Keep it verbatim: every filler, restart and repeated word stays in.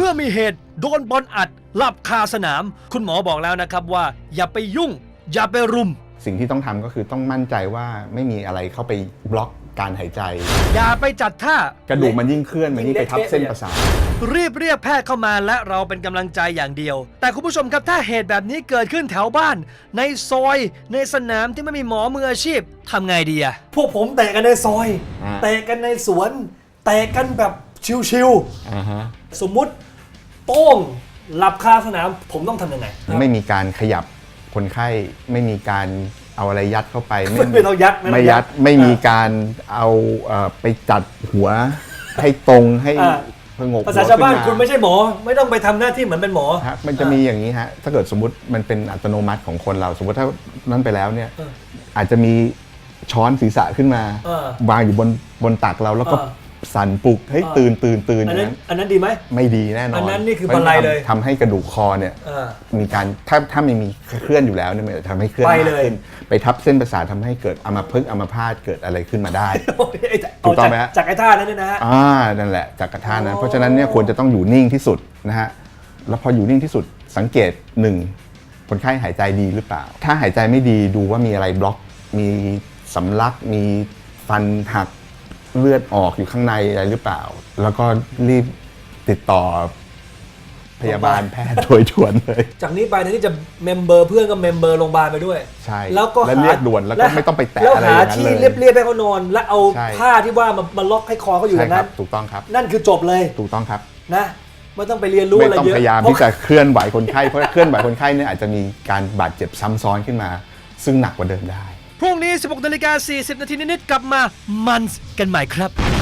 มื่อมีเหตุโดนบอลอัดหลับคาสนามคุณหมอบอกแล้วนะครับว่าอย่าไปยุ่งอย่าไปรุมสิ่งที่ต้องทำก็คือต้องมั่นใจว่าไม่มีอะไรเข้าไปบล็อกการหายใจอย่าไปจัดท่ากระดูกมันยิ่งเคลื่อนมันยิ่งไปทับเส้นประสาทรีบเรียกแพทย์เข้ามาและเราเป็นกำลังใจอย่างเดียวแต่คุณผู้ชมครับถ้าเหตุแบบนี้เกิดขึ้นแถวบ้านในซอยในสนามที่ไม่มีหมอมืออาชีพทำไงดีอะพวกผมเตะกันในซอยเตะกันในสวนเตะกันแบบชิวๆสมมุติโป้งหลับคาสนามผมต้องทำยังไงไม่มีการขยับคนไข้ไม่มีการเอาอะไรยัดเข้าไปไม่ไม่ต้องยัดไม่ยัดไม่มีการเอาไปจัดหัวให้ตรงให้พงกภาษาชาวบ้านคุณไม่ใช่หมอไม่ต้องไปทำหน้าที่เหมือนเป็นหมอมันจะมีอย่างนี้ฮะถ้าเกิดสมมติมันเป็นอัตโนมัติของคนเราสมมติถ้านั้นไปแล้วเนี่ยอาจจะมีช้อนศีรษะขึ้นมาวางอยู่บนบนตักเราแล้วก็สั่นปลุกให้ตื่นตื่นตื่นอันนั้นอันนั้นดีไหมไม่ดีแน่นอนอันนั้นนี่คือบันไลเลยทำให้กระดูกคอเนี่ยมีการถ้าถ้าไม่มีเคลื่อนอยู่แล้วเนี่ยมันจะทำให้เคลื่อนมากขึ้นไปทับเส้นประสาททำให้เกิดอัมพฤกษ์อัมพาตเกิดอะไรขึ้นมาได้ถูกต้องไหมฮะจากไอ้ท่านั้นนะฮะอ่านั่นแหละจากกระท่านั้นเพราะฉะนั้นเนี่ยควรจะต้องอยู่นิ่งที่สุดนะฮะแล้วพออยู่นิ่งที่สุดสังเกตหนึ่งคนไข้หายใจดีหรือเปล่าถ้าหายใจไม่ดีดูว่ามีอะไรบล็อกมีสำลักมีฟันหักเลือดออกอยู่ข้างในอะไรหรือเปล่าแล้วก็รีบติดต่อพยาบาลแพทย์โดยด่วนเลยจากนี้ไปแทนที่จะเมมเบอร์เพื่อนก็เมมเบอร์โรงพยาบาลไปด้วยใช่แล้วก็เรียกด่วนแล้วก็ไม่ต้องไปแตะอะไรอย่างนั้นเลยแล้วหาที่เรียบๆให้เขานอนแล้วเอาผ้าที่ว่ามามาล็อกให้คอเขาอยู่อย่างนั้นถูกต้องครับนั่นคือจบเลยถูกต้องครับนะไม่ต้องไปเรียนรู้อะไรเยอะไม่ต้องพยายามที่จะเคลื่อนไหวคนไข้เพราะเคลื่อนไหวคนไข้เนี่ยอาจจะมีการบาดเจ็บซ้ำซ้อนขึ้นมาซึ่งหนักกว่าเดิมได้พรุ่งนี้ สิบหกนาฬิกาสี่สิบนาทีนิดๆกลับมามันกันใหม่ครับ